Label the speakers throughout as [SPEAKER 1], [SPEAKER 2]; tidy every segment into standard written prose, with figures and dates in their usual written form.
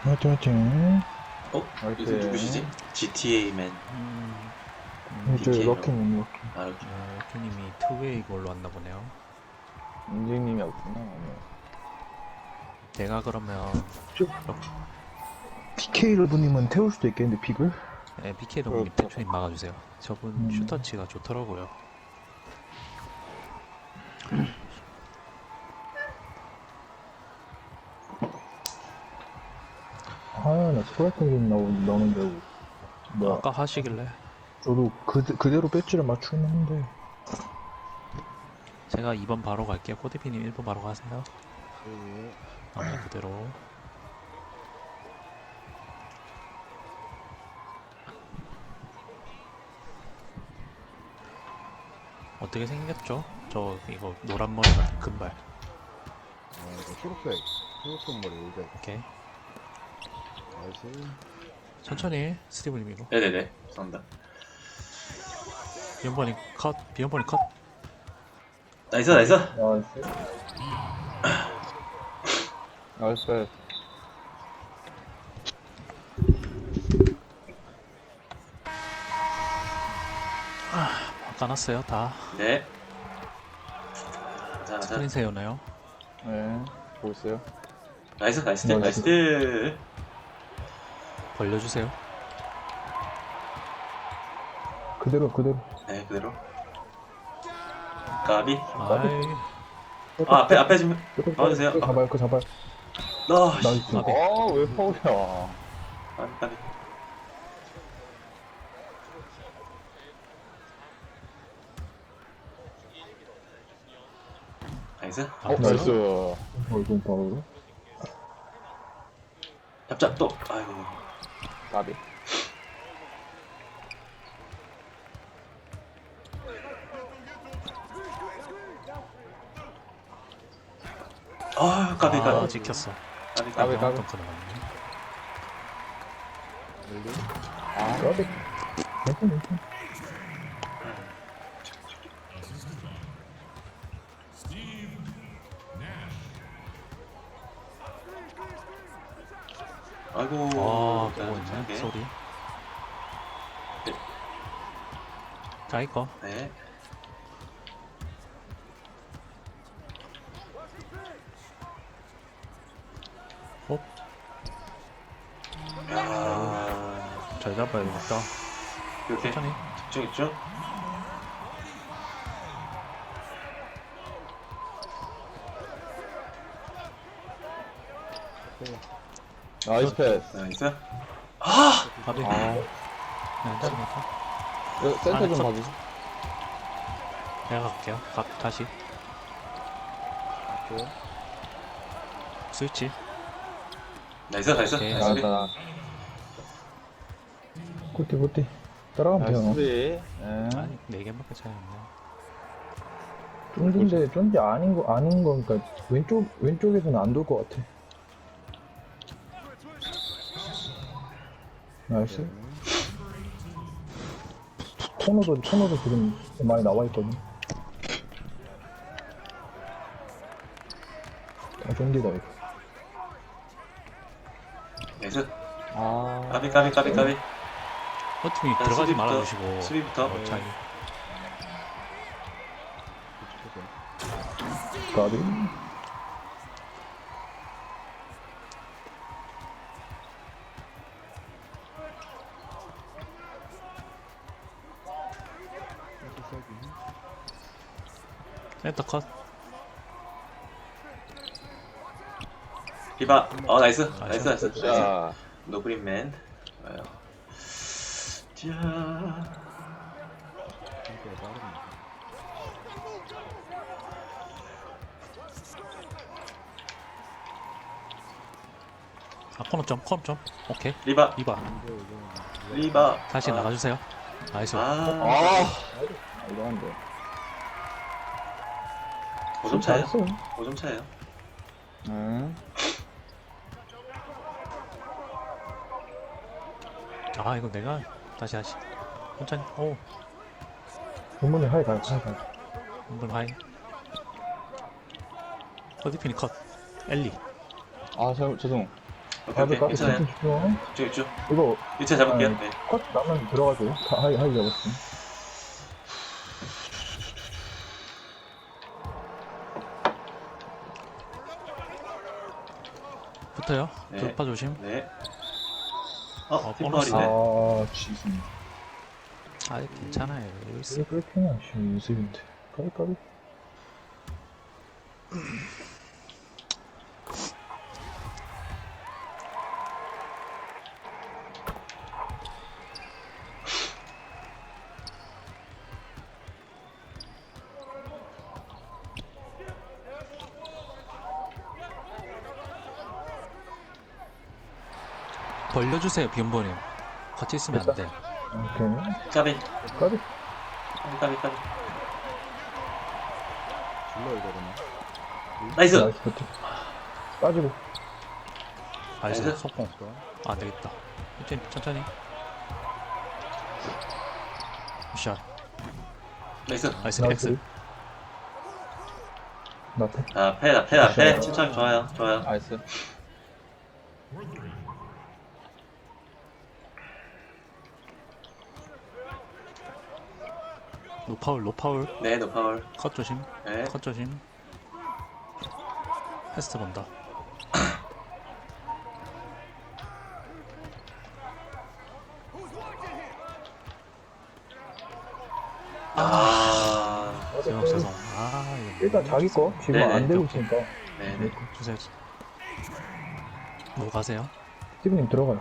[SPEAKER 1] 화이팅 화이팅.
[SPEAKER 2] 이거 누구시지? GTA맨.
[SPEAKER 1] 이제
[SPEAKER 2] DK로.
[SPEAKER 1] 럭키님 럭키.
[SPEAKER 2] 아, 이렇게.
[SPEAKER 3] 럭키님이 투웨이 걸로 왔나 보네요.
[SPEAKER 1] 인증님이 없구나 오늘.
[SPEAKER 3] 내가 그러면
[SPEAKER 1] PK 러브님은 태울 수도 있겠는데 픽을?
[SPEAKER 3] 네, BK 동님 대표님 막아주세요. 저분 슈터치가 좋더라고요.
[SPEAKER 1] 아나 스트라이크님 나오는데 뭐
[SPEAKER 3] 아까 하시길래
[SPEAKER 1] 저도 그대로 배지를 맞추긴 하는데.
[SPEAKER 3] 제가 2번 바로 갈게요. 코디피님 1번 바로 가세요. 그대로. 어떻게 생겼죠? 저 이거 노란 머리 같은 금발.
[SPEAKER 4] 이거 초록색 머리 이제
[SPEAKER 3] 오케이.
[SPEAKER 4] 나이스.
[SPEAKER 3] 천천히 스티브님 이거.
[SPEAKER 2] 네네네. 죄송합니다.
[SPEAKER 3] 비연번이 컷. 비연번이 컷.
[SPEAKER 2] 나이스, 나이스.
[SPEAKER 1] 나이스.
[SPEAKER 3] 까놨어요 다.
[SPEAKER 2] 네. 자, 자.
[SPEAKER 3] 스크린 세우나요?
[SPEAKER 1] 네. 보고 있어요.
[SPEAKER 2] 나이스, 나이스,
[SPEAKER 1] 나이스.
[SPEAKER 2] 나이스.
[SPEAKER 3] 벌려주세요.
[SPEAKER 1] 그대로.
[SPEAKER 2] 네, 그대로. 까비.
[SPEAKER 3] 아이.
[SPEAKER 2] 앞에 좀. 나와주세요.
[SPEAKER 1] 그 잡아요. 그 잡아요. 나이스.
[SPEAKER 3] 까비.
[SPEAKER 1] 왜 파울이야?
[SPEAKER 2] 까비. 나이스.
[SPEAKER 1] 나이스. 이건 파울로?
[SPEAKER 2] 잡자, 또. 아이고.
[SPEAKER 1] 까비.
[SPEAKER 2] 아, 까비,
[SPEAKER 3] 아,
[SPEAKER 2] 까비.
[SPEAKER 3] 지켰어.
[SPEAKER 2] 까비,
[SPEAKER 1] 까비.
[SPEAKER 2] 까비.
[SPEAKER 3] 덩크 나갔네.
[SPEAKER 1] 까비. 괜찮.
[SPEAKER 2] 아이고.
[SPEAKER 3] 아,
[SPEAKER 2] 자,
[SPEAKER 3] 보고 있네.
[SPEAKER 2] 오케이.
[SPEAKER 3] 소리.
[SPEAKER 2] 네.
[SPEAKER 3] 자, 이거.
[SPEAKER 2] 네.
[SPEAKER 3] 홉.
[SPEAKER 2] 야.
[SPEAKER 3] 잘 잡아야겠다.
[SPEAKER 2] 이렇게.
[SPEAKER 3] 천천히.
[SPEAKER 2] 집중.
[SPEAKER 1] 나이스 패스.
[SPEAKER 2] 나이스.
[SPEAKER 3] 가비. 네, 괜찮습니다.
[SPEAKER 1] 센터
[SPEAKER 3] 안에
[SPEAKER 1] 좀
[SPEAKER 3] 컷.
[SPEAKER 1] 봐주세요.
[SPEAKER 3] 내가 갈게요. 다시. 스위치.
[SPEAKER 2] 나이스, 나이스.
[SPEAKER 3] 오케이.
[SPEAKER 2] 나이스.
[SPEAKER 1] 나왔다. 굿띠. 따라가면 돼요.
[SPEAKER 3] 아니, 4개밖에 차이 안 나요.
[SPEAKER 1] 쫀디 아닌 거니까 왼쪽에서는 안 돌 것 같아. 나이스. 코너도 지금 많이 나와 있거든. 쫀디다 이거.
[SPEAKER 2] 나이스.
[SPEAKER 1] 아.
[SPEAKER 2] 까비.
[SPEAKER 3] 허팀이
[SPEAKER 2] 자,
[SPEAKER 3] 들어가지
[SPEAKER 2] 수비부터,
[SPEAKER 3] 말아주시고.
[SPEAKER 2] 수비부터.
[SPEAKER 3] 차이.
[SPEAKER 1] 까비.
[SPEAKER 3] 센터 컷.
[SPEAKER 2] 비바. 나이스. 나이스.
[SPEAKER 1] 자.
[SPEAKER 2] 노그린맨. 좋아요. 자.
[SPEAKER 3] 아, 코너 점. 오케이.
[SPEAKER 2] 리바.
[SPEAKER 3] 리바. 다시 나가주세요. 나이스.
[SPEAKER 1] 이거 안 돼.
[SPEAKER 2] 5점 차예요.
[SPEAKER 1] 잘했어.
[SPEAKER 2] 5점 차예요.
[SPEAKER 1] 응.
[SPEAKER 3] 아, 이거 내가 다시. 천천히. 오.
[SPEAKER 1] 본문이 하이 가.
[SPEAKER 3] 한번 하이. 허디핀이 컷. 엘리.
[SPEAKER 1] 아, 죄송.
[SPEAKER 2] 오케이, 오케이. 괜찮아요.
[SPEAKER 1] 집중.
[SPEAKER 2] 집중, 집중.
[SPEAKER 1] 이거
[SPEAKER 2] 1차 잡을게요.
[SPEAKER 1] 아니,
[SPEAKER 2] 네.
[SPEAKER 1] 컷 나면 들어가줘요. 하이 잡았어.
[SPEAKER 3] 붙어요.
[SPEAKER 2] 네.
[SPEAKER 3] 돌파 조심.
[SPEAKER 2] 네.
[SPEAKER 3] 보너스.
[SPEAKER 2] 뒷발이네.
[SPEAKER 1] 지금.
[SPEAKER 3] 아, 괜찮아요. 여기 있어.
[SPEAKER 1] 이게 끌피냐, 지금 유습인데. 까비.
[SPEAKER 3] 벌려주세요, 비움버님. 같이 있으면 안 돼.
[SPEAKER 1] 오케이.
[SPEAKER 2] 까비.
[SPEAKER 1] 까비.
[SPEAKER 2] 까비.
[SPEAKER 4] 질러 이거 그러면.
[SPEAKER 2] 나이스.
[SPEAKER 1] 나이스 버튼. 빠지고.
[SPEAKER 3] 나이스,
[SPEAKER 2] 나이스.
[SPEAKER 3] 속공. 안 되겠다. 천천히. 샷.
[SPEAKER 2] 나이스.
[SPEAKER 3] 나이스, 엑스.
[SPEAKER 1] 나패.
[SPEAKER 2] 앞에. 침착 좋아요.
[SPEAKER 1] 나이스.
[SPEAKER 3] 노파울.
[SPEAKER 2] 네, 노파울.
[SPEAKER 3] 컷 조심.
[SPEAKER 2] 네.
[SPEAKER 3] 컷 조심. 패스트 본다. 죄송. 아, 이거
[SPEAKER 1] 일단 자기 거 지금
[SPEAKER 2] 네네,
[SPEAKER 1] 안 되고
[SPEAKER 3] 오케이.
[SPEAKER 1] 있으니까.
[SPEAKER 2] 네.
[SPEAKER 3] 주세요. 뭐 가세요?
[SPEAKER 1] 스티브님 들어가요.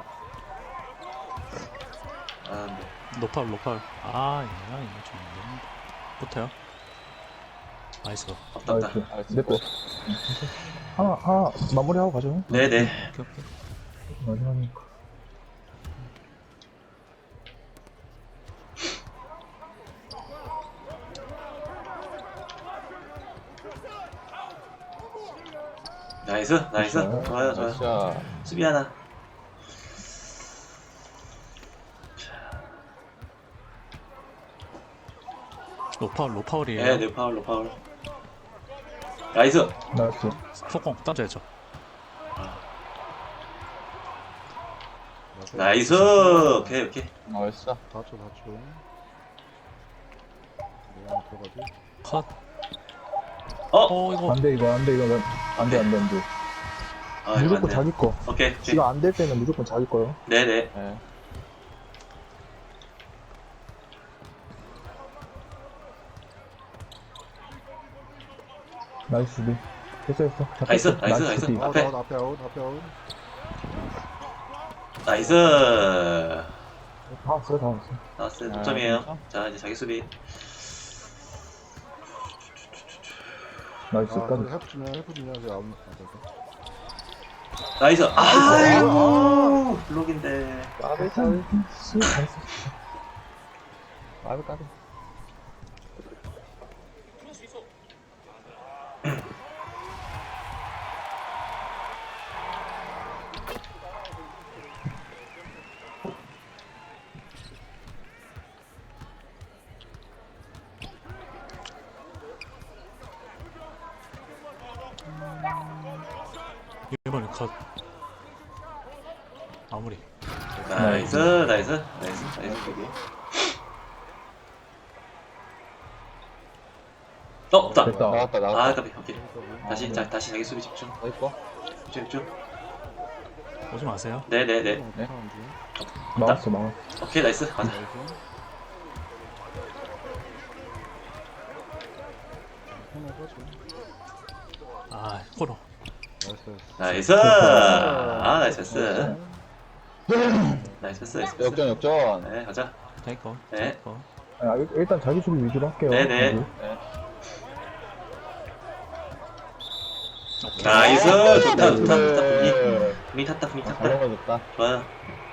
[SPEAKER 2] 네.
[SPEAKER 3] 노파울. 아, 이거 좀 안 되는데. 붙어요. 나이스.
[SPEAKER 2] 없다.
[SPEAKER 1] 나이스. 내 거. 하나 마무리하고 가죠.
[SPEAKER 2] 네네.
[SPEAKER 3] 오케이.
[SPEAKER 1] 마지막이니까.
[SPEAKER 2] 나이스. 좋아요. 수비 하나.
[SPEAKER 3] 노파울이에요.
[SPEAKER 2] 네, 노파울. 나이스.
[SPEAKER 1] 나이스.
[SPEAKER 3] 속공 던져야죠.
[SPEAKER 2] 나이스. 오케이.
[SPEAKER 1] 나이스.
[SPEAKER 4] 다쳐. 내가 들어가지.
[SPEAKER 3] 컷. 이거
[SPEAKER 1] 안 돼, 이거 안 돼.
[SPEAKER 2] 아, 이거
[SPEAKER 1] 무조건
[SPEAKER 2] 안 돼요.
[SPEAKER 1] 자기 거.
[SPEAKER 2] 오케이.
[SPEAKER 1] 이거 안 될 때는 무조건 자기 거요.
[SPEAKER 2] 네네.
[SPEAKER 1] 나이스 수비. 됐어.
[SPEAKER 2] 나이스.
[SPEAKER 1] 수비.
[SPEAKER 2] 앞에.
[SPEAKER 4] 앞에 아웃.
[SPEAKER 2] 나이스.
[SPEAKER 1] 다 왔어.
[SPEAKER 2] 나왔어요. 동점이에요. 자, 이제 자기 수비.
[SPEAKER 1] 나이스. 까지.
[SPEAKER 4] 헬프 주면 이제 아웃.
[SPEAKER 2] 나이스. 아이고. 블록인데.
[SPEAKER 1] 까비.
[SPEAKER 3] 이번에 컷. 마무리.
[SPEAKER 2] 나이스. 수비. 없다.
[SPEAKER 1] 됐다.
[SPEAKER 2] 아, 까비. 오케이. 다시 자기 수비 집중. 집중.
[SPEAKER 3] 오지 마세요.
[SPEAKER 2] 네네네.
[SPEAKER 1] 막았어.
[SPEAKER 2] 오케이, 나이스. 가자.
[SPEAKER 3] 아, 코너.
[SPEAKER 2] 나이스. 나이스. 나이스.
[SPEAKER 1] 역전.
[SPEAKER 2] 네, 가자.
[SPEAKER 3] 테이커.
[SPEAKER 2] 네.
[SPEAKER 1] 일단 자기 수비 위주로 할게요.
[SPEAKER 2] 네네.
[SPEAKER 1] 그리고.
[SPEAKER 2] 나이스. 좋다. 분위 탔다. 좋아요.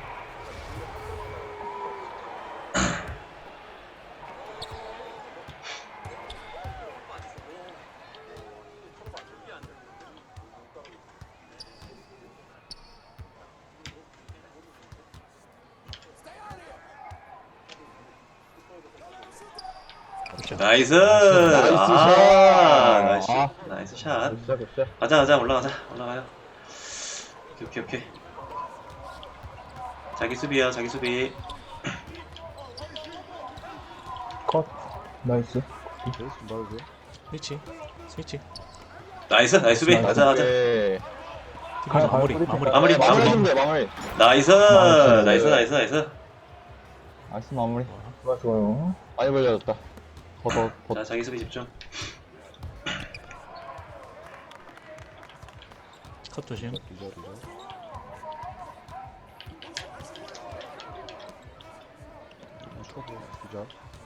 [SPEAKER 2] 나이스. 나이스 샷. 가자. 올라가요. 오케이. 자기 수비야 자기 수비.
[SPEAKER 1] 컷. 나이스.
[SPEAKER 4] 베이스 좀 봐주세요.
[SPEAKER 3] 스위치.
[SPEAKER 2] 나이스 나이스 수비.
[SPEAKER 1] 나이스.
[SPEAKER 2] 가자 가자.
[SPEAKER 5] 오케이.
[SPEAKER 1] 가요,
[SPEAKER 3] 마무리.
[SPEAKER 1] 가요.
[SPEAKER 3] 마무리.
[SPEAKER 2] 마무리
[SPEAKER 5] 마무리
[SPEAKER 2] 마무리.
[SPEAKER 5] 좀 돼, 마무리.
[SPEAKER 2] 나이스
[SPEAKER 1] 나이스.
[SPEAKER 2] 나이스 나이스 나이스.
[SPEAKER 5] 나이스 마무리.
[SPEAKER 1] 좋아요.
[SPEAKER 5] 많이 벌려졌다. 더.
[SPEAKER 2] 자 자기 수비 집중.
[SPEAKER 3] 컷 조심.
[SPEAKER 4] 기절. 슈퍼볼 기절.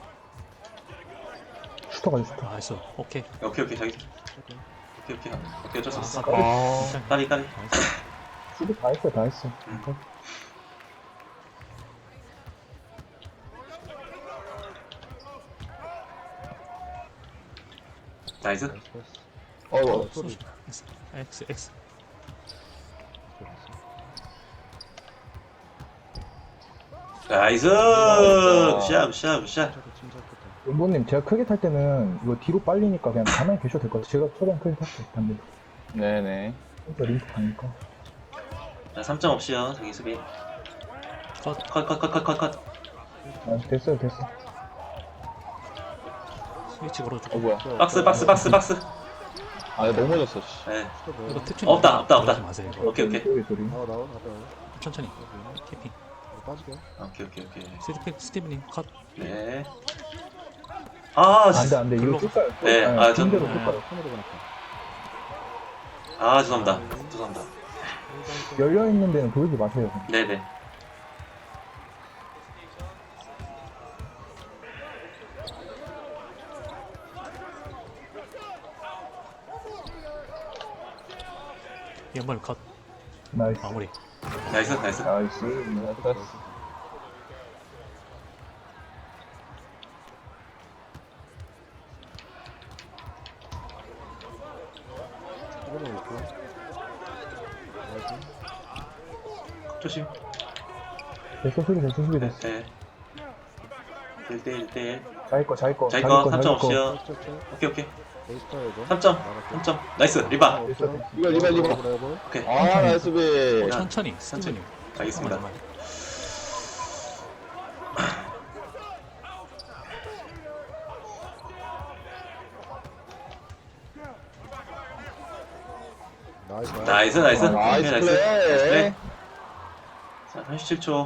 [SPEAKER 1] 슈터가 슈터.
[SPEAKER 3] 나이스. 오케이.
[SPEAKER 2] 오케이 자기. 오케이 어쩔 수 없어.
[SPEAKER 3] 괜찮아.
[SPEAKER 2] 까비.
[SPEAKER 3] 나이스.
[SPEAKER 1] 수비 다 했어, 다 했어.
[SPEAKER 2] 나이스.
[SPEAKER 4] 나이스 패스.
[SPEAKER 5] 어이구.
[SPEAKER 4] 소리.
[SPEAKER 3] X.
[SPEAKER 2] 나이스. 굿샷.
[SPEAKER 4] 침착했다.
[SPEAKER 1] 연보님, 제가 크게 탈 때는 이거 뒤로 빨리니까 그냥 가만히 계셔도 될 것 같아요. 제가 최대한 크게 탈게요. 반대로.
[SPEAKER 5] 네네.
[SPEAKER 1] 진짜 링크 가니까.
[SPEAKER 2] 자 3점 없이요 자기 수비.
[SPEAKER 3] 컷.
[SPEAKER 2] 컷.
[SPEAKER 1] 아, 됐어요.
[SPEAKER 3] 스위치 걸어주고.
[SPEAKER 5] 뭐야.
[SPEAKER 2] 박스.
[SPEAKER 5] 아, 이거 넘어졌어, 씨.
[SPEAKER 2] 네.
[SPEAKER 3] 이거 탭
[SPEAKER 2] 없다.
[SPEAKER 3] 그러지 마세요. 이거.
[SPEAKER 2] 오케이.
[SPEAKER 1] 소리.
[SPEAKER 4] 나와.
[SPEAKER 3] 천천히. 키핑.
[SPEAKER 4] 빠지게.
[SPEAKER 2] 오케이.
[SPEAKER 3] 스티브님 컷.
[SPEAKER 2] 네. 아,
[SPEAKER 1] 안 돼. 이거
[SPEAKER 3] 글로.
[SPEAKER 1] 쭉 가요.
[SPEAKER 2] 네, 아, 전-
[SPEAKER 1] 빈대로 쭉 가요.
[SPEAKER 4] 손으로 보낼게.
[SPEAKER 2] 죄송합니다.
[SPEAKER 1] 열려있는 데는 보이지 마세요.
[SPEAKER 2] 네네.
[SPEAKER 3] 연말 컷.
[SPEAKER 1] 나이스.
[SPEAKER 3] 마무리.
[SPEAKER 2] 나이스.
[SPEAKER 1] 나이스.
[SPEAKER 4] 이거는 있고. 나이스.
[SPEAKER 2] 조심.
[SPEAKER 1] 됐어, 수비 됐어.
[SPEAKER 2] 네. 1대1.
[SPEAKER 1] 자기 거.
[SPEAKER 2] 자기 거 3점 없이요.
[SPEAKER 4] 짝짝짝.
[SPEAKER 2] 오케이.
[SPEAKER 4] 베이스타에서.
[SPEAKER 2] 3점. 나이스. 리바.
[SPEAKER 1] 됐어.
[SPEAKER 5] 이거 리바.
[SPEAKER 2] 오케이.
[SPEAKER 5] 아, 나이스 비.
[SPEAKER 3] 천천히. 스티브님.
[SPEAKER 2] 알겠습니다.
[SPEAKER 4] 나이스.
[SPEAKER 2] 나이스.
[SPEAKER 5] 나이스
[SPEAKER 2] 오케이,
[SPEAKER 5] 플레이.
[SPEAKER 2] 자, 37초.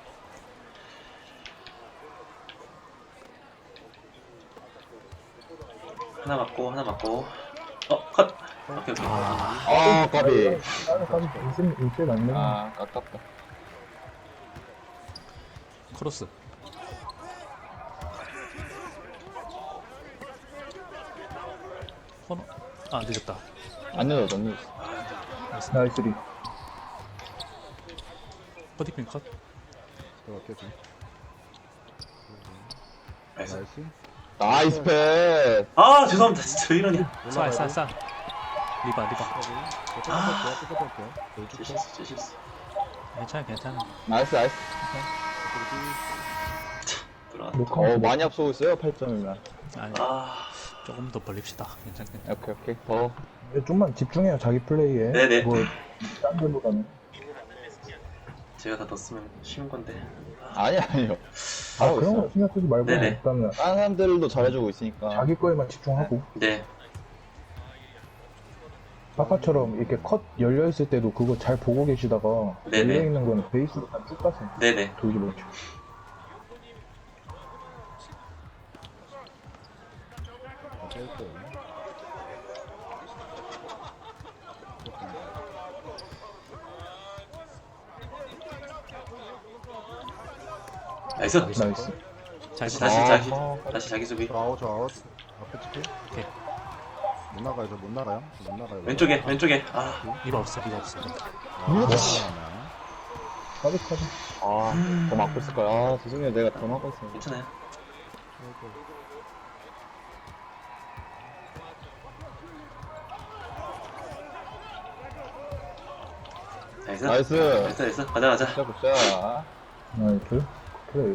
[SPEAKER 2] 하나 맞고. 컷. 오케이.
[SPEAKER 5] 아, 까비.
[SPEAKER 1] 일세 맞네.
[SPEAKER 5] 아, 아깝다.
[SPEAKER 3] 크로스. 코너. 아 늦었다.
[SPEAKER 5] 안 늦었어.
[SPEAKER 1] 나이스 리.
[SPEAKER 3] 버디핀 컷.
[SPEAKER 4] 들어갈게 좀.
[SPEAKER 2] 나이스.
[SPEAKER 4] 나이스.
[SPEAKER 5] 나이스 패스.
[SPEAKER 2] 아, 죄송합니다. 진짜 왜 이러냐.
[SPEAKER 3] 쌀. 리바.
[SPEAKER 2] 제 실수.
[SPEAKER 3] 괜찮아.
[SPEAKER 5] 나이스.
[SPEAKER 2] 들어와.
[SPEAKER 1] 녹화.
[SPEAKER 5] 많이 앞서고 있어요, 8점이면.
[SPEAKER 3] 아니
[SPEAKER 2] 아,
[SPEAKER 3] 조금 더 벌립시다. 괜찮겠네.
[SPEAKER 5] 오케이. 더.
[SPEAKER 1] 좀만 집중해요, 자기 플레이에.
[SPEAKER 2] 네네.
[SPEAKER 1] 딴 데보다는.
[SPEAKER 2] 제가 다 넣었으면 쉬운 건데.
[SPEAKER 5] 아니요.
[SPEAKER 1] 아,
[SPEAKER 5] 잘하고
[SPEAKER 1] 그런
[SPEAKER 5] 있어요.
[SPEAKER 1] 거 신경 쓰지 말고,
[SPEAKER 2] 네네.
[SPEAKER 1] 일단은
[SPEAKER 5] 다른 사람들도 잘해주고 있으니까.
[SPEAKER 1] 자기 거에만 집중하고.
[SPEAKER 2] 네.
[SPEAKER 1] 아까처럼 이렇게 컷 열려있을 때도 그거 잘 보고 계시다가,
[SPEAKER 2] 네네.
[SPEAKER 1] 열려있는 거는 베이스로 다 쭉 가세요.
[SPEAKER 2] 네네.
[SPEAKER 1] 돌지 말고.
[SPEAKER 2] 나이스.
[SPEAKER 1] 나이스.
[SPEAKER 2] 다시
[SPEAKER 3] 잘
[SPEAKER 2] 다시 자기 수비.
[SPEAKER 4] 저 아웃. 앞에 찍게.
[SPEAKER 3] 오케이.
[SPEAKER 4] 못 나가요. 못 나가요.
[SPEAKER 2] 왼쪽에. 아,
[SPEAKER 3] 리바 없어.
[SPEAKER 1] 까비.
[SPEAKER 5] 더 막고 있을 거야. 아, 죄송해요. 내가 더 막고 있어요.
[SPEAKER 2] 괜찮아요. 나이스.
[SPEAKER 5] 나이스.
[SPEAKER 2] 가자.
[SPEAKER 5] 굿샷.
[SPEAKER 1] 나이스. 그래.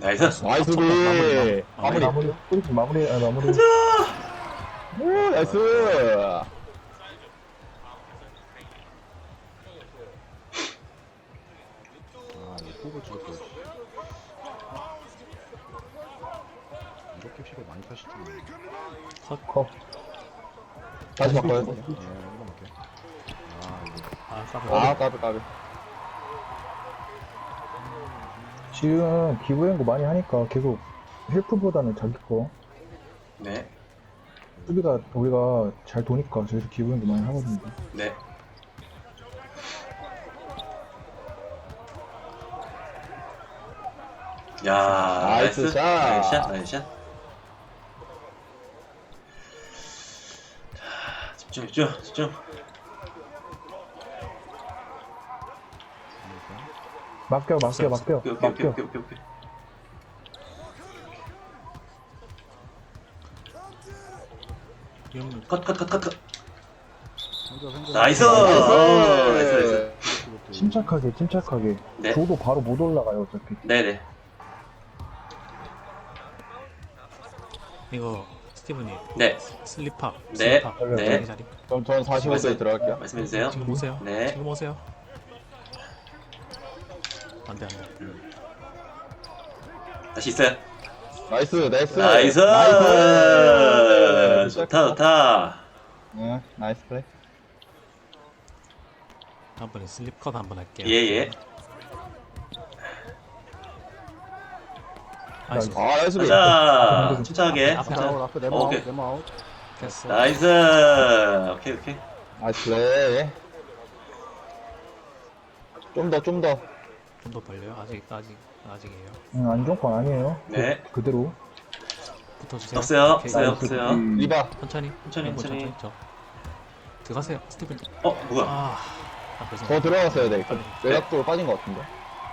[SPEAKER 2] 나이스.
[SPEAKER 5] 나이스 비. 마무리.
[SPEAKER 1] 마무리. 마무리. 마무리.
[SPEAKER 5] 오, 나이스.
[SPEAKER 4] 아 이거 포을 찍었어. 이렇게 피를 많이 타실 줄은.
[SPEAKER 1] 컵.
[SPEAKER 5] 다시 바꿔요.
[SPEAKER 4] 이거 먹게. 아 이거.
[SPEAKER 3] 아 까비.
[SPEAKER 5] 아, 까비.
[SPEAKER 1] 지금 기부연구 많이 하니까 계속 헬프보다는 자기 거.
[SPEAKER 2] 네.
[SPEAKER 1] 수비가 우리가 잘 도니까 저기서 기부연구 많이 하거든요.
[SPEAKER 2] 네. 야,
[SPEAKER 5] 나이스
[SPEAKER 2] 나이스.
[SPEAKER 5] 샷.
[SPEAKER 2] 나이스 샷. 나이스 샷. 자, 집중.
[SPEAKER 1] 맡겨.
[SPEAKER 2] 오케이.
[SPEAKER 3] 위험.
[SPEAKER 2] 컷.
[SPEAKER 4] 생겨.
[SPEAKER 2] 나이스. 나이스.
[SPEAKER 1] 침착하게.
[SPEAKER 2] 네.
[SPEAKER 1] 줘도 바로 못 올라가요, 어차피.
[SPEAKER 2] 네네.
[SPEAKER 3] 이거 스티븐이
[SPEAKER 2] 네.
[SPEAKER 3] 슬리파.
[SPEAKER 2] 네.
[SPEAKER 3] 슬리파.
[SPEAKER 2] 네.
[SPEAKER 3] 자리.
[SPEAKER 5] 전 45도에 들어갈게요.
[SPEAKER 2] 말씀해주세요.
[SPEAKER 3] 지금 오세요.
[SPEAKER 2] 네.
[SPEAKER 3] 지금 오세요. 안돼.
[SPEAKER 2] 다시 있어요.
[SPEAKER 5] 나이스.
[SPEAKER 2] 나이스. 좋다.
[SPEAKER 5] 네, 나이스 플레이.
[SPEAKER 3] 다음번에 슬립 컷 한번 할게요.
[SPEAKER 2] 예.
[SPEAKER 3] 나이스.
[SPEAKER 5] 아, 나이스 비.
[SPEAKER 2] 가자. 침착하게.
[SPEAKER 3] 앞에
[SPEAKER 4] 앞에 네모
[SPEAKER 2] 오케이.
[SPEAKER 4] 아웃. 네모 아웃.
[SPEAKER 3] 됐어.
[SPEAKER 2] 나이스. 오케이.
[SPEAKER 5] 나이스 플레이. 좀 더.
[SPEAKER 3] 좀 더 벌려요? 아직이에요.
[SPEAKER 1] 안정권 아니에요.
[SPEAKER 2] 네.
[SPEAKER 1] 그대로.
[SPEAKER 3] 붙어주세요.
[SPEAKER 2] 없어요.
[SPEAKER 3] 오케이.
[SPEAKER 2] 없어요.
[SPEAKER 5] 리바.
[SPEAKER 3] 천천히.
[SPEAKER 2] 천천히.
[SPEAKER 3] 저. 들어가세요, 스티븐.
[SPEAKER 2] 뭐야?
[SPEAKER 3] 아, 그래서
[SPEAKER 5] 더 들어갔어야 돼. 외곽쪽으로 빠진 것 같은데.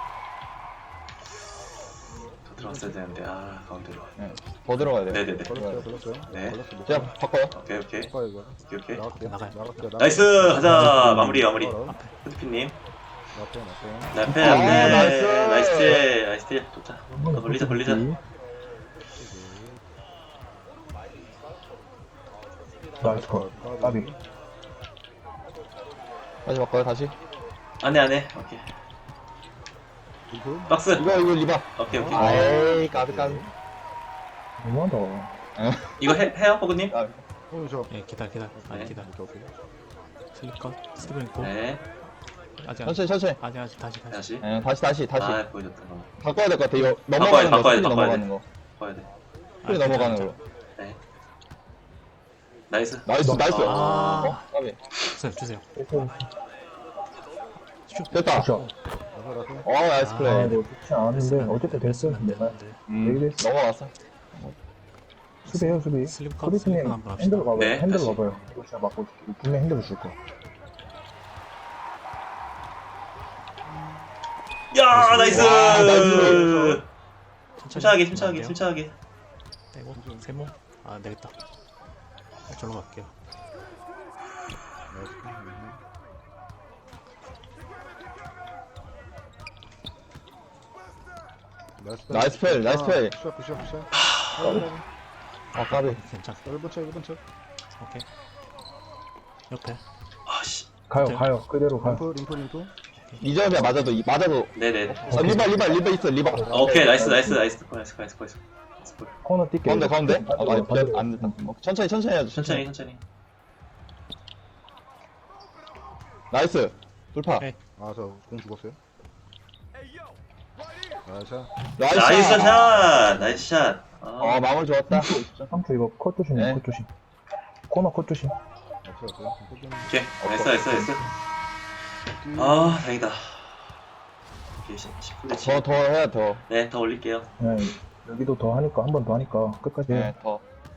[SPEAKER 2] 더 들어갔어야 되는데. 가운데로.
[SPEAKER 5] 네, 더 들어가야 돼.
[SPEAKER 2] 네네네.
[SPEAKER 4] 걸렸어요.
[SPEAKER 2] 네.
[SPEAKER 5] 제가 바꿔요.
[SPEAKER 2] 오케이.
[SPEAKER 4] 바꿔요 이거.
[SPEAKER 2] 오케이.
[SPEAKER 3] 나가요.
[SPEAKER 2] 나이스. 가자. 마무리. 후드피님.
[SPEAKER 4] 앞에.
[SPEAKER 2] 나이스. 좋다. 더 벌리자.
[SPEAKER 1] 나이스 컷. 까비.
[SPEAKER 5] 다시 바꿔요. 다시.
[SPEAKER 2] 안해. 오케이. 박스.
[SPEAKER 5] 이거 리바.
[SPEAKER 2] 오케이.
[SPEAKER 5] 아이, 까비.
[SPEAKER 1] 너무하다.
[SPEAKER 2] 이거 해요, 호그님?
[SPEAKER 5] 까비.
[SPEAKER 4] 저.
[SPEAKER 3] 예, 기다려.
[SPEAKER 2] 네.
[SPEAKER 4] 오케이.
[SPEAKER 3] 슬립 컷. 스티븐 있고.
[SPEAKER 2] 네.
[SPEAKER 3] 아직.
[SPEAKER 5] 천천히.
[SPEAKER 3] 아직 다시.
[SPEAKER 2] 다시.
[SPEAKER 5] 네, 다시.
[SPEAKER 2] 보여줬다.
[SPEAKER 5] 바꿔야 될 것 같아. 이거 넘어가는 거.
[SPEAKER 2] 바꿔야 돼.
[SPEAKER 5] 스크린 넘어가는 거.
[SPEAKER 2] 봐야 돼.
[SPEAKER 5] 스크린 넘어가는 거.
[SPEAKER 2] 네. 나이스.
[SPEAKER 5] 나이스.
[SPEAKER 3] 아.
[SPEAKER 5] 까비.
[SPEAKER 3] 주세요.
[SPEAKER 5] 됐다.
[SPEAKER 1] 굿샷.
[SPEAKER 5] 나이스 플레이.
[SPEAKER 1] 뭐 좋지 않은데 어쨌든 됐어. 내가 얘기했어.
[SPEAKER 5] 넘어갔어.
[SPEAKER 1] 수비해요, 수비.
[SPEAKER 3] 슬립 컷.
[SPEAKER 1] 코디스님
[SPEAKER 3] 슬립 컷 한번 합시다.
[SPEAKER 1] 핸들 가봐요.
[SPEAKER 2] 네,
[SPEAKER 1] 핸들
[SPEAKER 2] 다시.
[SPEAKER 1] 가봐요. 이거 제가 맞고 분명 핸들을 줄 거야.
[SPEAKER 2] 야, 나이스.
[SPEAKER 5] 와, 나이스.
[SPEAKER 2] 침착하게.
[SPEAKER 3] 빼고 세모. 안 되겠다. 저로 갈게요.
[SPEAKER 5] 나이스 플레이.
[SPEAKER 4] 굿샷.
[SPEAKER 5] 아, 까비.
[SPEAKER 3] 괜찮.
[SPEAKER 4] 1번 쳐.
[SPEAKER 3] 오케이. 옆에.
[SPEAKER 2] 아씨.
[SPEAKER 1] 가요. 그대로 가요.
[SPEAKER 4] 림프.
[SPEAKER 5] 이 점이야 맞아도
[SPEAKER 2] 네네.
[SPEAKER 5] 리바 있어 리바.
[SPEAKER 2] 오케이, 나이스. 나이스.
[SPEAKER 1] 코너 뛸게.
[SPEAKER 5] 가운데. 안 됐다. 천천히 해야죠.
[SPEAKER 2] 천천히.
[SPEAKER 5] 나이스. 돌파.
[SPEAKER 3] 오케이.
[SPEAKER 4] 저 공 죽었어요.
[SPEAKER 2] 나이스 샷.
[SPEAKER 5] 마무리 좋았다.
[SPEAKER 1] 3초 이거 컷 조심해.
[SPEAKER 5] 네.
[SPEAKER 1] 컷 조심. 코너 컷 조심.
[SPEAKER 4] 없어요.
[SPEAKER 2] 오케이. 나이스. 다행이다. 오케이, 10분의
[SPEAKER 5] 더 해야 더.
[SPEAKER 2] 네, 더 올릴게요.
[SPEAKER 1] 네, 여기도 더 하니까 한 번 더 하니까 끝까지 해.
[SPEAKER 5] 네, 더.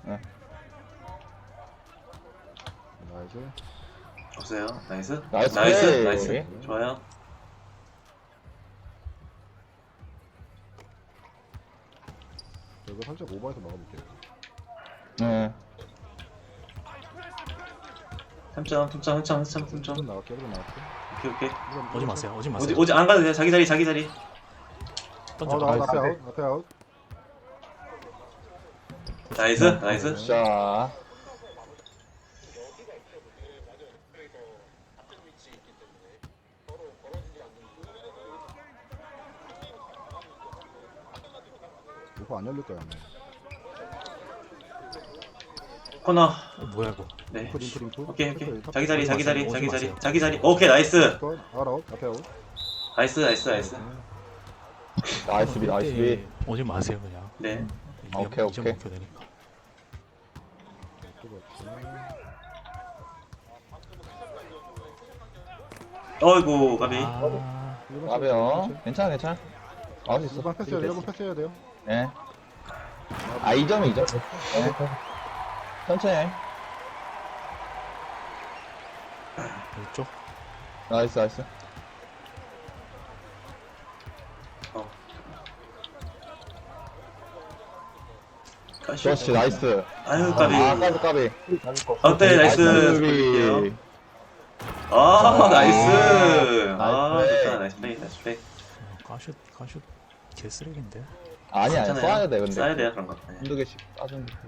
[SPEAKER 4] 나이스.
[SPEAKER 2] 없어요. 나이스.
[SPEAKER 5] 나이스.
[SPEAKER 2] 좋아요.
[SPEAKER 4] 이거 살짝 오버해서 막아볼게요.
[SPEAKER 5] 네.
[SPEAKER 2] 3점.
[SPEAKER 4] 1번 나갈게요.
[SPEAKER 2] 오케이.
[SPEAKER 3] 오지 마세요.
[SPEAKER 2] 오지 안 가도 돼요. 자기 자리.
[SPEAKER 3] 던져.
[SPEAKER 4] 앞에 아웃.
[SPEAKER 2] 나이스 나이스.
[SPEAKER 5] 자,
[SPEAKER 4] 이거 안 열릴 거야 아마.
[SPEAKER 2] 코너.
[SPEAKER 3] 뭐야 이거?
[SPEAKER 2] 네.
[SPEAKER 4] 인프.
[SPEAKER 2] 오케이.
[SPEAKER 4] 탑.
[SPEAKER 2] 자기 자리 자기 자리
[SPEAKER 3] 오지
[SPEAKER 2] 자기 자리
[SPEAKER 3] 마세요.
[SPEAKER 2] 자기 자리. 오케이 나이스.
[SPEAKER 4] 또 아웃 앞에 아웃.
[SPEAKER 2] 나이스 나이스 나이스.
[SPEAKER 5] 나이스 비, 나이스 비.
[SPEAKER 3] 오지 마세요 그냥.
[SPEAKER 2] 네.
[SPEAKER 5] 오케이,
[SPEAKER 3] 이제
[SPEAKER 5] 오케이.
[SPEAKER 3] 먹혀야 되니까.
[SPEAKER 2] 어이구 까비.
[SPEAKER 3] 아,
[SPEAKER 5] 가벼워. 괜찮아, 괜찮아. 나올 수 있어.
[SPEAKER 4] 1번 패스해야 돼요. 1번 패스해야 돼요.
[SPEAKER 5] 네. 아, 2점이 2점. 네. 천천히 해.
[SPEAKER 3] 이쪽.
[SPEAKER 5] 나이스, 나이스. 그렇지, 나이스.
[SPEAKER 2] 아유 까비.
[SPEAKER 5] 아, 까비, 까비.
[SPEAKER 2] 어때 나이스.
[SPEAKER 5] 나이스
[SPEAKER 2] 볼게요.
[SPEAKER 5] 비.
[SPEAKER 2] 아 나이스. 아
[SPEAKER 5] 나이스
[SPEAKER 2] 좋다 나이스 플레이 나이스 플레이.
[SPEAKER 3] 가슛 개쓰레기인데.
[SPEAKER 5] 아니, 아니,
[SPEAKER 2] 괜찮아요.
[SPEAKER 5] 쏴야 돼, 근데.
[SPEAKER 2] 쏴야 돼요 그런 거. 네.
[SPEAKER 5] 한두 개씩 빠지면 돼.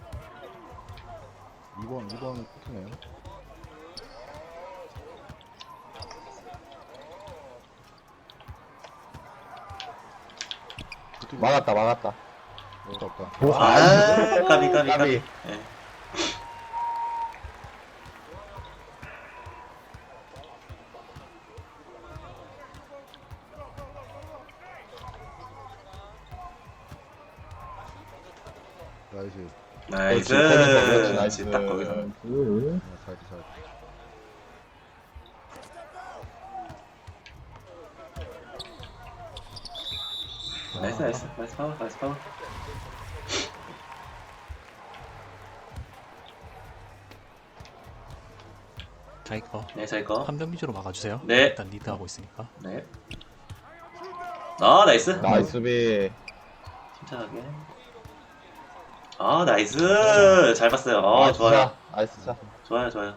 [SPEAKER 4] 2번 코트네요.
[SPEAKER 5] 막았다, 막았다.
[SPEAKER 4] 없다.
[SPEAKER 2] 아 까비 까비
[SPEAKER 5] 까비.
[SPEAKER 2] 까비. 네.
[SPEAKER 4] 나이스.
[SPEAKER 2] 나이스.
[SPEAKER 5] 그렇지, 나이스.
[SPEAKER 2] 딱 거기서.
[SPEAKER 4] 사이드.
[SPEAKER 2] 나이스 나이스 나이스 파워 나이스 파워.
[SPEAKER 3] 자기 거.
[SPEAKER 2] 네 저희 거.
[SPEAKER 3] 한 점 위주로 막아주세요.
[SPEAKER 2] 네.
[SPEAKER 3] 일단 리드 하고 있으니까.
[SPEAKER 2] 네. 아 나이스.
[SPEAKER 5] 나이스 비.
[SPEAKER 2] 침착하게. 아 나이스. 잘 봤어요.
[SPEAKER 5] 나이스
[SPEAKER 2] 좋아요.
[SPEAKER 5] 차, 나이스 차.
[SPEAKER 2] 좋아요.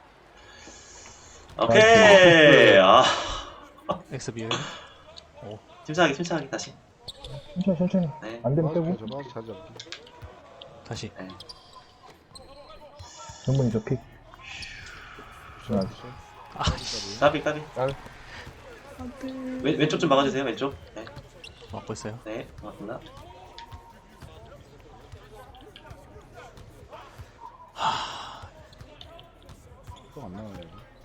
[SPEAKER 2] 오케이. 아
[SPEAKER 3] 엑스비에. 오.
[SPEAKER 2] 침착하게 다시.
[SPEAKER 1] 천천히.
[SPEAKER 2] 네.
[SPEAKER 1] 안 되면 빼고.
[SPEAKER 4] 잘 잡기.
[SPEAKER 3] 다시.
[SPEAKER 2] 네.
[SPEAKER 1] 전문이 저 픽.
[SPEAKER 2] 까비.
[SPEAKER 5] 까비.
[SPEAKER 2] 왼쪽 좀 막아주세요. 왼쪽. 네.
[SPEAKER 3] 막고 있어요.
[SPEAKER 2] 네. 고맙습니다.
[SPEAKER 4] 또안 나와요.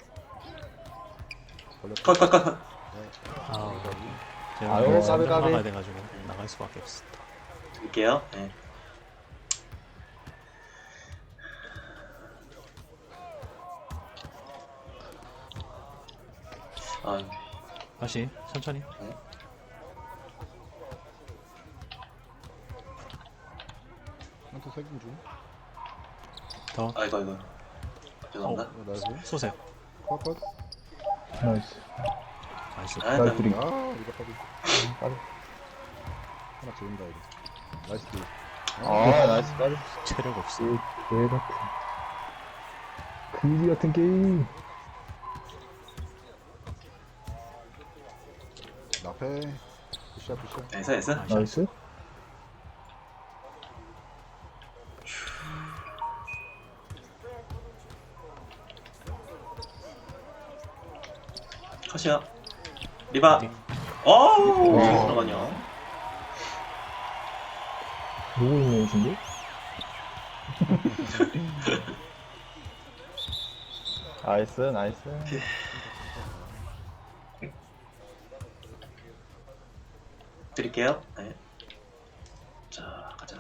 [SPEAKER 4] 걸렸다.
[SPEAKER 2] 컷.
[SPEAKER 3] 아, 제가
[SPEAKER 5] 아유,
[SPEAKER 3] 오늘
[SPEAKER 5] 까비, 까비.
[SPEAKER 3] 나가야 돼가지고 나갈 수밖에 없어.
[SPEAKER 2] 드릴게요. 네. 아,
[SPEAKER 3] 다시 천천히.
[SPEAKER 4] 한테 세긴 중.
[SPEAKER 3] 더.
[SPEAKER 2] 아이고. 죄송합니다.
[SPEAKER 4] 나이스.
[SPEAKER 3] 쏘세요.
[SPEAKER 4] 컷.
[SPEAKER 1] 나이스.
[SPEAKER 3] 나이스.
[SPEAKER 2] 아,
[SPEAKER 1] 나이스 리.
[SPEAKER 4] 이거 까비.
[SPEAKER 5] 까비.
[SPEAKER 4] 하나 지른다 이거. 나이스 딜.
[SPEAKER 5] 아, 나이스 까비.
[SPEAKER 3] 체력 없어.
[SPEAKER 1] 개 같은. 그지 같은 게임.
[SPEAKER 4] 나페. 푸시야.
[SPEAKER 2] 나이스.
[SPEAKER 1] 나이스.
[SPEAKER 2] 컷이요. 리바.
[SPEAKER 3] 어디?
[SPEAKER 2] 어우,
[SPEAKER 5] 와.
[SPEAKER 2] 잠깐만요.
[SPEAKER 1] 누구 있는 애신데?
[SPEAKER 5] 나이스.
[SPEAKER 2] 드릴게요. 네. 자, 가자.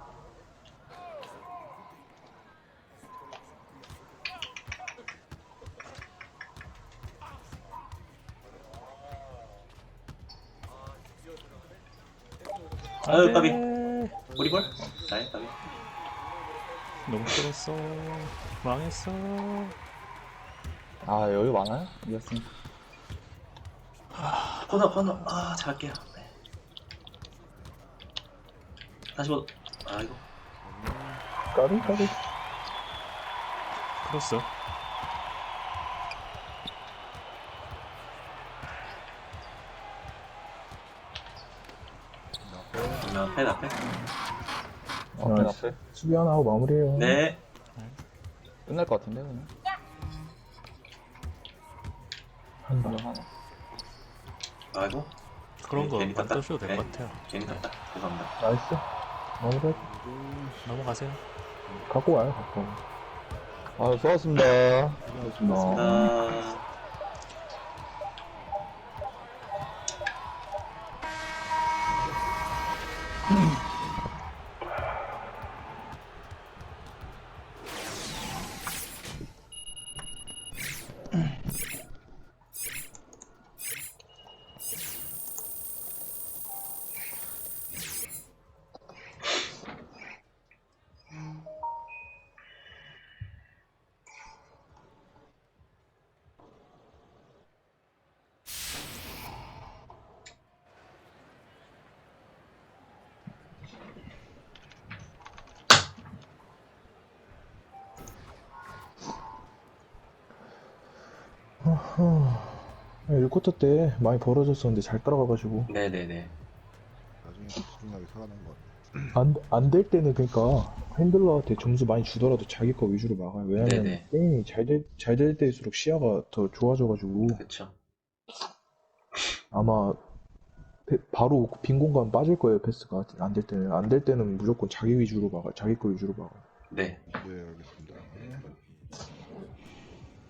[SPEAKER 2] 아유, 까비. 우리볼? 나이, 까비.
[SPEAKER 3] 너무 끌었어. 망했어.
[SPEAKER 5] 아, 여유 많아요? 이겼으니까.
[SPEAKER 2] 코너. 아, 잘할게요. 네. 다시 뭐, 아이고.
[SPEAKER 1] 까비.
[SPEAKER 3] 크로스.
[SPEAKER 2] 앞에.
[SPEAKER 5] 앞에
[SPEAKER 1] 나이스.
[SPEAKER 5] 앞에.
[SPEAKER 1] 수비 하나 하고 마무리해요.
[SPEAKER 2] 네.
[SPEAKER 5] 끝날 것 같은데, 그냥.
[SPEAKER 1] 한다.
[SPEAKER 5] 그냥 하나.
[SPEAKER 2] 아이고.
[SPEAKER 3] 그런 거
[SPEAKER 2] 괜히 땄다.
[SPEAKER 3] 만드셔도 될 것
[SPEAKER 2] 네.
[SPEAKER 3] 같아요.
[SPEAKER 2] 괜히 땄다. 죄송합니다.
[SPEAKER 1] 나이스. 마무리.
[SPEAKER 3] 넘어가세요.
[SPEAKER 1] 갖고 와요, 갖고.
[SPEAKER 5] 아, 수고하셨습니다.
[SPEAKER 1] 고맙습니다.
[SPEAKER 2] 아,
[SPEAKER 1] 네, 1쿼터 때 많이 벌어졌었는데 잘 따라가가지고.
[SPEAKER 2] 네네네.
[SPEAKER 4] 나중에 집중하게 살아난 것 같아.
[SPEAKER 1] 안 될 때는 그러니까 핸들러한테 점수 많이 주더라도 자기 거 위주로 막아요. 왜냐면
[SPEAKER 2] 네네.
[SPEAKER 1] 게임이 잘 될 때일수록 시야가 더 좋아져가지고
[SPEAKER 2] 그쵸.
[SPEAKER 1] 아마 바로 빈 공간 빠질 거예요, 패스가. 안 될 때는. 안 될 때는 무조건 자기 위주로 막아요. 자기 거 위주로 막아요.
[SPEAKER 2] 네.
[SPEAKER 4] 네, 알겠습니다.